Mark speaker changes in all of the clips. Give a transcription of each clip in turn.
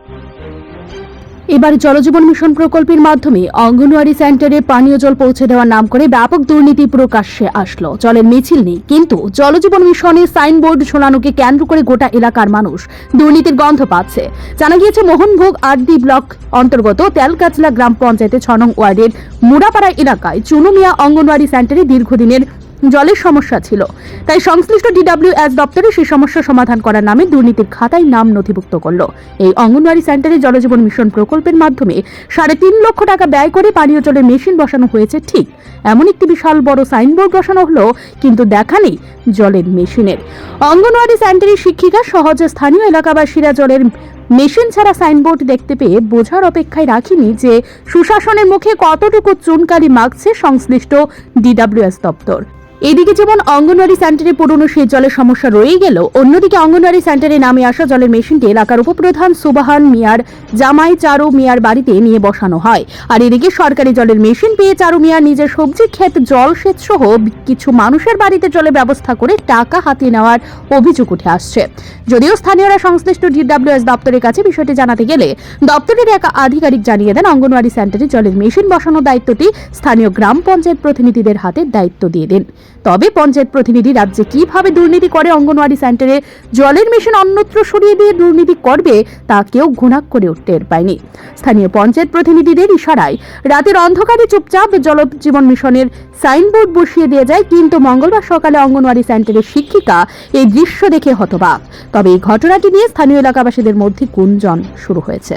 Speaker 1: এবার জলজীবন মিশন প্রকল্পের মাধ্যমে অঙ্গনওয়াড়ি সেন্টারে পানীয় জল পৌঁছে দেওয়ার নাম করে ব্যাপক দুর্নীতি প্রকাশ্যে আসলো। জলের মিছিল নেই, কিন্তু জলজীবন মিশনের সাইনবোর্ড ঝোলানোকে কেন্দ্র করে গোটা এলাকার মানুষ দুর্নীতির গন্ধ পাচ্ছে। জানা গিয়েছে, মোহনভোগ আরডি ব্লক অন্তর্গত তেলকাচলা গ্রাম পঞ্চায়েতে ৬ নং ওয়ার্ডের মুড়াপাড়া এলাকায় চুনু মিয়া অঙ্গনওয়াড়ি সেন্টারে দীর্ঘদিনের জলের সমস্যা ছিল। তাই সংশ্লিষ্ট DWS দপ্তরে সেই সমস্যা সমাধান করার নামে দুর্নীতির খাতায় নাম নথিভুক্ত করল। এই অঙ্গনওয়াড়ি সেন্টারে জলজীবন মিশন প্রকল্পের মাধ্যমে ৩.৫ লক্ষ টাকা ব্যয় করে পানীয় জলের মেশিন বসানো হয়েছে। ঠিক এমন একটি বিশাল বড় সাইনবোর্ড বসানো হলো, কিন্তু দেখা নেই জলের মেশিনের। অঙ্গনওয়াড়ি সেন্টারের শিক্ষিকা সহজ স্থানীয় এলাকাবাসীরা জলের মেশিন ছাড়া সাইনবোর্ড দেখতে পেয়ে বোঝার অপেক্ষায় রাখিনি যে সুশাসনের মুখে কতটুকু চুনকালি মাখছে সংশ্লিষ্ট DWS দপ্তর। এদিকে যেমন অঙ্গনওয়াড়ি সেন্টারে পুরনো সেই জলের সমস্যা রয়েই গেল, অন্যদিকে অঙ্গনওয়াড়ি সেন্টারে নামে আসা জলের মেশিনটি এলাকার উপপ্রধান সুবাহান মিয়ার জামাই চারু মিয়ার বাড়িতে নিয়ে বসানো হয়। আর এদিকে সরকারি জলের মেশিন পেয়ে চারু মিয়ার নিজের সবজি ক্ষেত জলসেচ সহ কিছু মানুষের বাড়িতে জলের ব্যবস্থা করে টাকা হাতিয়ে নেওয়ার অভিযোগ উঠে আসছে। যদিও স্থানীয়রা সংশ্লিষ্ট DWS দপ্তরের কাছে বিষয়টি জানাতে গেলে দপ্তরের এক আধিকারিক জানিয়ে দেন, অঙ্গনওয়াড়ি সেন্টারে জলের মেশিন বসানোর দায়িত্বটি স্থানীয় গ্রাম পঞ্চায়েত প্রতিনিধিদের হাতে দায়িত্ব দিয়ে দেন। তবে পঞ্চায়েত প্রতিনিধি রাজ্যে কিভাবে দুর্নীতি করে অঙ্গনওয়াড়ি সেন্টারে জলের মেশিন অন্যত্র সরিয়ে দিয়ে দুর্নীতি করবে তা কেউ ঘুণাক করে টের পায়নি। স্থানীয় পঞ্চায়েত প্রতিনিধিদের ইশারায় রাতের অন্ধকারে চুপচাপ জলজীবন মিশনের সাইনবোর্ড বসিয়ে দিয়ে যায়, কিন্তু মঙ্গলবার সকালে অঙ্গনওয়াড়ি সেন্টারের শিক্ষিকা এই দৃশ্য দেখে হতবাক। তবে এই ঘটনাটি নিয়ে স্থানীয় এলাকাবাসীদের মধ্যে গুঞ্জন শুরু হয়েছে।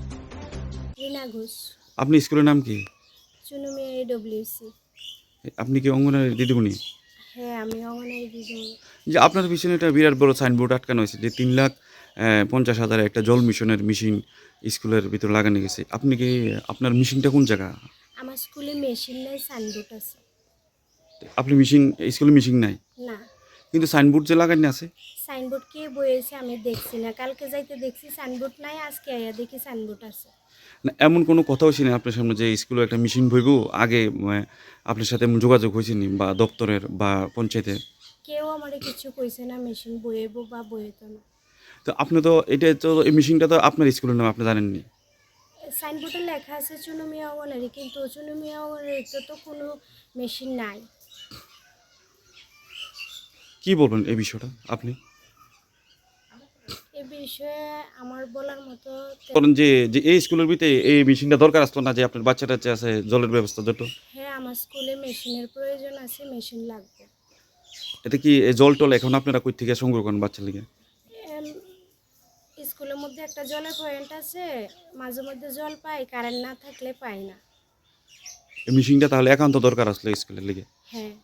Speaker 2: আপনি স্কুলের নাম কি?
Speaker 3: চুনু মিয়া AWC।
Speaker 2: আপনি কি অঙ্গনওয়াড়ি দিদিমণি?
Speaker 3: হ্যাঁ, আমি অঙ্গনওয়াড়ি দিদিমণি।
Speaker 2: যে আপনার পিছনে একটা বিরাট বড় সাইনবোর্ড আটকানো হয়েছে যে 3,50,000 একটা জল মিশনের মেশিন স্কুলের ভিতরে লাগানো গেছে। আপনি কি আপনার মেশিনটা কোন জায়গা?
Speaker 3: আমার স্কুলে মেশিন নাই, সাইনবোর্ড আছে।
Speaker 2: আপনি স্কুলে মেশিন নাই?
Speaker 3: না।
Speaker 2: কিন্তু সাইনবোর্ড যে লাগানো আছে?
Speaker 3: সাইনবোর্ড কে বয়েছে আমি দেখছি না। কালকে যাইতে দেখছি সাইনবোর্ড নাই, আজকে আইয়া দেখি সাইনবোর্ড আছে।
Speaker 2: না, এমন কোনো কথাও শুনি আপনার সামনে যে স্কুলে একটা মেশিন বইব আগে আপনার সাথে যোগাযোগ হয়েছে নি, বা দপ্তরের বা পঞ্চায়েতের?
Speaker 3: কেউ আমারে কিছু কইছে না মেশিন বইব বা বইতো না।
Speaker 2: তো আপনি তো এই মেশিনটা তো আপনার স্কুলের নাম আপনি জানেননি।
Speaker 3: সাইনবোর্ডে লেখা আছে চুনু মিয়া অঙ্গনওয়াড়ি, কিন্তু চুনু মিয়া অঙ্গনওয়াড়িতে তো কোনো মেশিন নাই।
Speaker 2: কি বলবেন এই বিষয়টা আপনি?
Speaker 3: এই বিষয়ে আমার বলার মতো
Speaker 2: কারণ যে এই স্কুলের ভিতরে এই মেশিনটা দরকার আসতো না, যে আপনার বাচ্চাটা আছে জলের ব্যবস্থা যত।
Speaker 3: হ্যাঁ, আমার স্কুলে মেশিনের প্রয়োজন আছে, মেশিন লাগবে।
Speaker 2: এটা কি জল টল এখন আপনারা কই থেকে সংগ্রহ করেন বাচ্চার লিগে?
Speaker 3: স্কুলের মধ্যে একটা জলের পয়েন্ট আছে, মাঝে মধ্যে জল পাই, কারেন্ট না থাকলে পাই না।
Speaker 2: এই মেশিনটা তাহলে একান্ত দরকার আসলে স্কুলের লিগে।
Speaker 3: হ্যাঁ।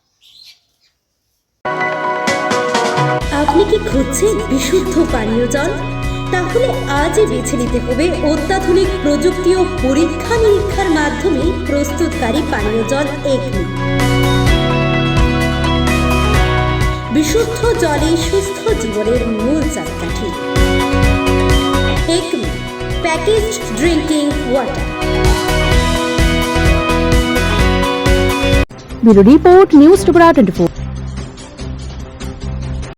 Speaker 4: আপনি কি খুঁজছেন বিশুদ্ধ পানীয় জল? তাহলে আজই বেছে নিতে হবে অত্যাধুনিক প্রযুক্তি ও পরীক্ষা নিরীক্ষার মাধ্যমে প্রস্তুতকারী পানীয় জল একমি। বিশুদ্ধ জলে সুস্থ জীবনের মূল চাকাঠি। Acme packaged drinking water.
Speaker 1: Bureau report, news Tripura 24।